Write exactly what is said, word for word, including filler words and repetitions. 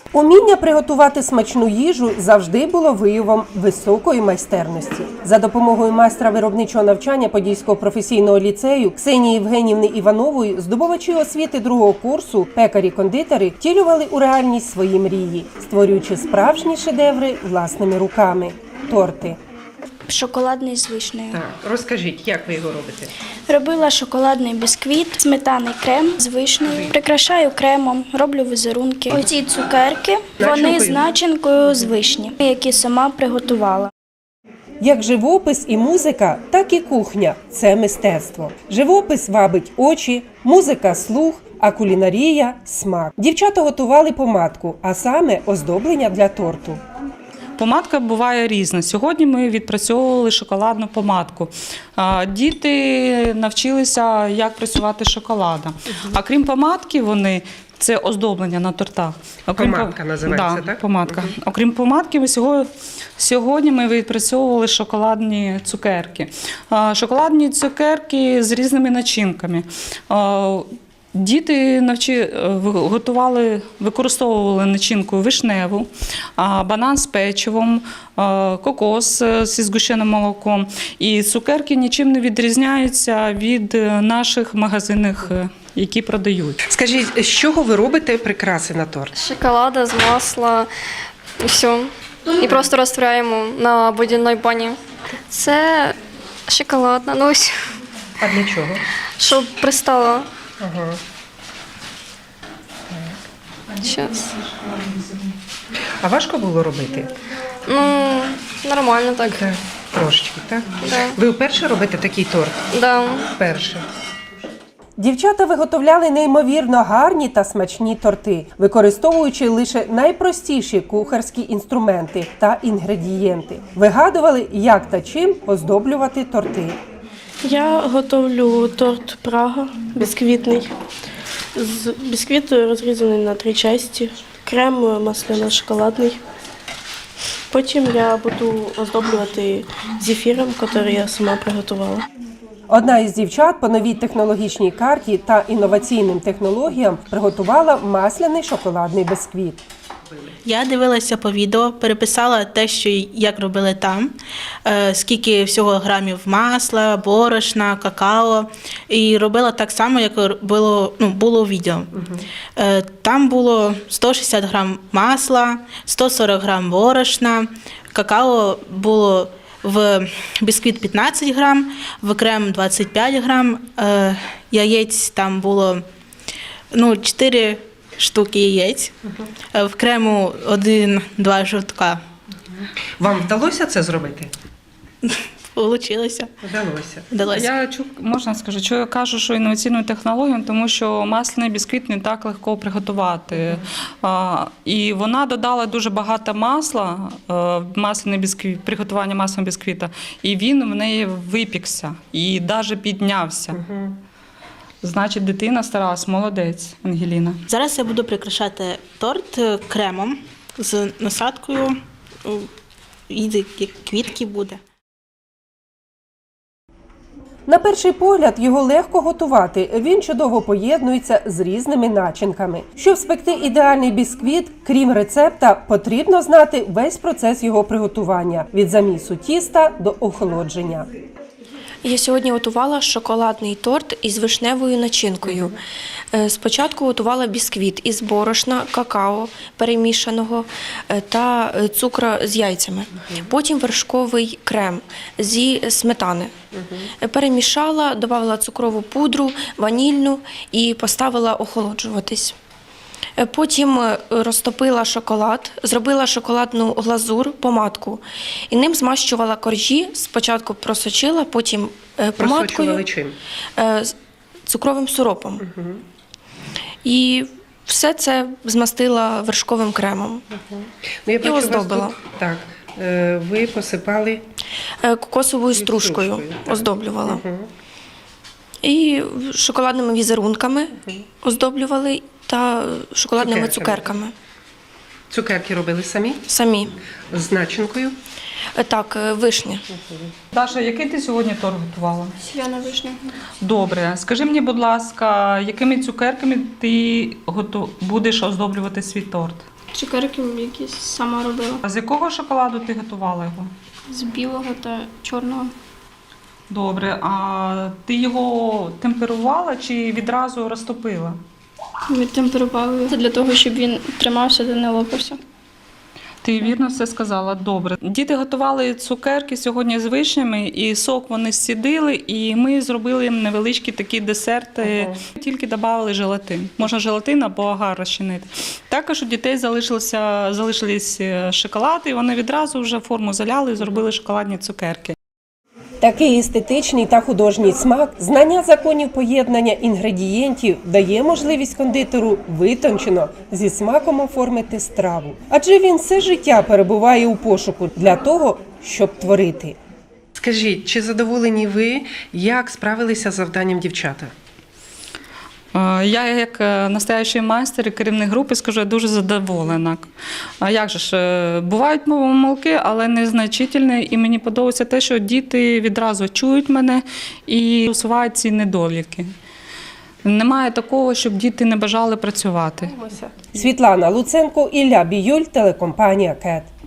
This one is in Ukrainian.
Уміння приготувати смачну їжу завжди було виявом високої майстерності. За допомогою майстра виробничого навчання Подільського професійного ліцею Ксенії Євгенівни Іванової здобувачі освіти другого курсу, пекарі-кондитери втілювали у реальність свої мрії, створюючи справжні шедеври власними руками – торти. Шоколадний з вишнею. Так, розкажіть, як ви його робите? Робила шоколадний бісквіт, сметаний крем з вишнею. Прикрашаю кремом, роблю візерунки. Оці цукерки, вони з начинкою з вишні, які сама приготувала. Як живопис і музика, так і кухня – це мистецтво. Живопис вабить очі, музика – слух, а кулінарія – смак. Дівчата готували помадку, а саме оздоблення для торту. Помадка буває різна. Сьогодні ми відпрацьовували шоколадну помадку. Діти навчилися, як працювати з шоколадом. А крім помадки, вони це оздоблення на тортах. Окрім помадка називається, да, так? Помадка. Угу. Окрім помадки, ми сьогодні, сьогодні ми відпрацьовували шоколадні цукерки. Шоколадні цукерки з різними начинками. Діти навчи, готували, використовували начинку вишневу, банан з печивом, кокос зі згущеним молоком. І цукерки нічим не відрізняються від наших магазинних, які продають. Скажіть, з чого ви робите прикраси на торт? З шоколада, з масла і все. І просто розтворяємо на водяній бані. Це шоколадна, ну ось. А для чого? Щоб пристало. Ага. Щас. А важко було робити? Ну, нормально так. Так, трошечки, так? Да. Ви вперше робите такий торт? Да. Вперше. Дівчата виготовляли неймовірно гарні та смачні торти, використовуючи лише найпростіші кухарські інструменти та інгредієнти. Вигадували, як та чим оздоблювати торти. Я готовлю торт Прага, бісквітний. З бісквіт розрізаний на три частини, крем масляно-шоколадний. Потім я буду оздоблювати зефіром, який я сама приготувала. Одна із дівчат по новій технологічній карті та інноваційним технологіям приготувала масляний шоколадний бісквіт. Я дивилася по відео, переписала те, що як робили там, скільки всього грамів масла, борошна, какао. І робила так само, як було, ну, було у відео. Угу. Там було сто шістдесят грам масла, сто сорок грам борошна, какао було в бісквіт п'ятнадцять грам, в крем двадцять п'ять грам, яєць там було ну, чотири штуки яєць, uh-huh. в крему один-два жовтка. Вам вдалося це зробити? Получилося. Вдалося. Вдалося. Я чу, можна скажу, що я кажу, що інноваційну технологію, тому що масляний бісквіт не так легко приготувати. Uh-huh. А, і вона додала дуже багато масла, масляний бісквіт, приготування масляного бісквіта, і він в неї випікся і навіть піднявся. Uh-huh. Значить, дитина старалась, молодець, Ангеліна. Зараз я буду прикрашати торт кремом з насадкою, і квітки буде. На перший погляд його легко готувати, він чудово поєднується з різними начинками. Щоб спекти ідеальний бісквіт, крім рецепта, потрібно знати весь процес його приготування – від замісу тіста до охолодження. Я сьогодні готувала шоколадний торт із вишневою начинкою. Спочатку готувала бісквіт із борошна, какао перемішаного та цукру з яйцями. Потім вершковий крем зі сметани. Перемішала, додала цукрову пудру, ванільну і поставила охолоджуватись. Потім розтопила шоколад, зробила шоколадну глазур, помадку. І ним змащувала коржі, спочатку просочила, потім помадкою, чим? цукровим сиропом. Угу. І все це змастила вершковим кремом. Угу. Ну, я бачу, і оздобила. Тут, так, ви посипали кокосовою стружкою, стружкою оздоблювала. Угу. І шоколадними візерунками угу. оздоблювали та шоколадними цукерками. цукерками. Цукерки робили самі? Самі. З начинкою? Так, вишня. Даша, який ти сьогодні торт готувала? Сіяна вишня. Добре. Скажи мені, будь ласка, якими цукерками ти готов... будеш оздоблювати свій торт? Цукерки якісь сама робила. А з якого шоколаду ти готувала його? З білого та чорного. Добре, а ти його темперувала чи відразу розтопила? Відтемперували для того, щоб він тримався та не лопався. Ти вірно все сказала. Добре. Діти готували цукерки сьогодні з вишнями, і сок вони зцідили, і ми зробили їм невеличкі такі десерти. Тільки додали желатин. Можна желатин або агар розчинити. Також у дітей залишилися, залишились шоколад, і вони відразу вже форму заляли і зробили шоколадні цукерки. Такий естетичний та художній смак, знання законів поєднання інгредієнтів дає можливість кондитеру витончено зі смаком оформити страву. Адже він все життя перебуває у пошуку для того, щоб творити. Скажіть, чи задоволені ви, як справилися з завданням дівчата? Е, Я, як е, настоящий майстер і керівник групи, скажу, я дуже задоволена. А як же ж, е, бувають помилки, але незначительні, і мені подобається те, що діти відразу чують мене і усувають ці недоліки. Немає такого, щоб діти не бажали працювати. Світлана Луценко, Ілля Біюль, телекомпанія КЕТ.